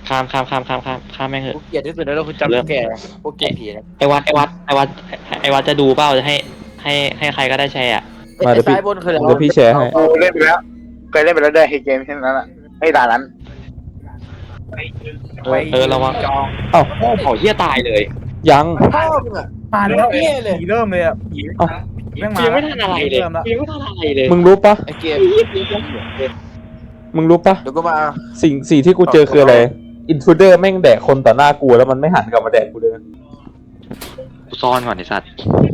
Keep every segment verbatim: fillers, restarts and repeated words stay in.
ข้ามข้ามข้ามข้ามข้ามข้ามแม่งเหกูอะเกลียดที่สุดแล้วคือจำแก่พวกเกมผีนะไอวัดไอวัดไอวัดไอวัดจะดูเปล่าจะให้ให้ให้ใครก็ได้แชร์อ่ะไอ้ซ้ายบนคืออะไรเดี๋ยวพี่แชร์ให้กูเล่นไปแล้วเคยเล่นไปแล้วด้วยไอ้เกมเช่นนั้นอ่ะไอ้ด่านนั้นเออเออระวังจองเอ้าโอ้เหี้ยตายเลยยังพ่อมึงอ่ะมาแล้วเหี้ยเลยผีเริ่มเลยอ่ะผีเอ้าแม่งมายังไม่ทันอะไรเลยเริ่มแล้วยังไม่ทันอะไรเลยมึงรู้ปะไอ้เกมมึงรู้ปะเดี๋ยวก็มาสิ่งสิ่งที่กูเจอคืออะไรอินทรูเดอร์แม่งแดกคนต่อหน้ากูแล้วมันไม่หันกลับมาแดกกูเลยกูซ่อนก่อนไอสัตว์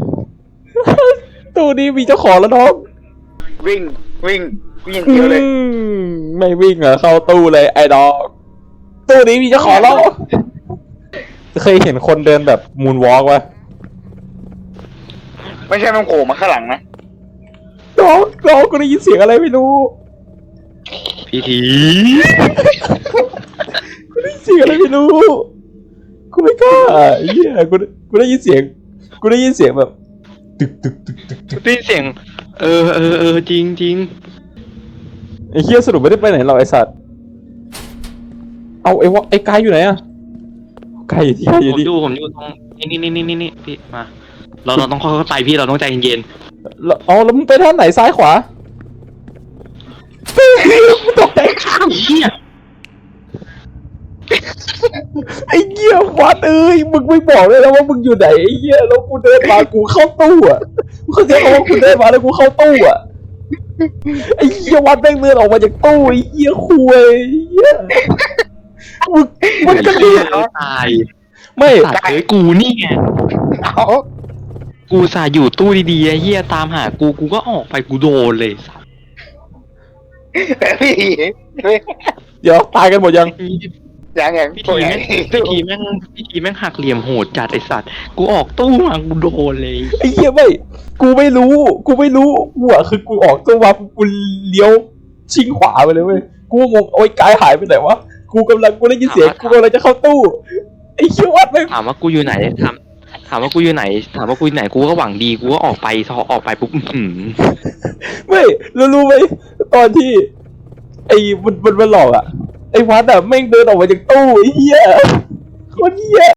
ตู้นี้มีเจ้าของแล้วน้องวิ่งวิ่งวิ่งอย่างเดียวเลยอืมไม่วิ่งเหรอเข้าตู้เลยไอ้ดอกตู้นี้มีเจ้าของแล้วเคยเห็นคนเดินแบบมูนวอล์กวะไม่ใช่มันโผล่มาข้างหลังนะน้องน้องกูได้ยินเสียงอะไรไม่รู้พี่ทีกูได้ยินเสียงอะไรไม่รู้กูไม่กล้าเหี้ยกูกูได้ยินเสียงกูได้ยินเสียงแบบตึกตึกตึกตึกตึกได้ยินเสียงเออเออเออจริงจริงไอ้เหี้ยสรุปไม่ได้ไปไหนหรอกไอ้สัตว์เอาไอ้วะไอ้กายอยู่ไหนอะกายอยู่ที่ผอยู่มที่อยู่ผมอยู่ตรงนี่นี่นี่นี่นี่พี่มาเราเราต้องค่อยๆไปพี่เราต้องใจเย็นแล้วอ๋อแล้วมึงไปทางไหนซ้ายขวาตกใจๆเหี้ยไอ้เหี้ยวัดเอ้ยมึงไม่บอกเลยนะว่ามึงอยู่ไหนไอ้เหี้ยแล้วกูเดินมากูเข้าตู้อ่ะมึงเข้าใจไหมว่ากูเดินมาแล้วกูเข้าตู้อ่ะไอ้เหี้ยวัดแม่งเดินออกมาจากตู้ไอ้เหี้ยคุยไอ้เหี้ยมึงมึงจะเรียกตายไม่สัตว์เอ้ยกูนี่ไงเอากูสาอยู่ตู้ดีๆไอ้เฮียตามหากูกูก็ออกไปกูโดนเลยสัตว์แต่พี่เฮ้ยเดี๋ยวตายกันหมดยังอย่างอย่างพี่ทีแม่งพี่ทีแม่งพี่ทีแม่งหักเหลี่ยมโหดจัดไอสัตว์กูออกตู้มากูโดนเลยไอ้เหี้ยไม่กูไม่รู้กูไม่รู้กูอ่ะคือกูออกตู้มากูเลี้ยวชิงขวาไปเลยเว้ยกูงงโอ้ยกายหายไปไหนวะกูกำลังกูได้ยินเสียงกูกำลังจะเข้าตู้ไอ้เหี้ยวัดไม่ถามว่ากูอยู่ไหนถามถามว่ากูอยู่ไหน ถามว่ากูอยู่ไหนกูก็หวังดีกูก็ออกไปพอออกไปปุ๊บอื้อหือไม่รู้รู้ไหมตอนที่ ไอ้มันมันมันหลอกอ่ะไอ้วัดอ่ะแม่งเดินออกมาจากตู้ไอ้เหี้ยโคนเหี้ย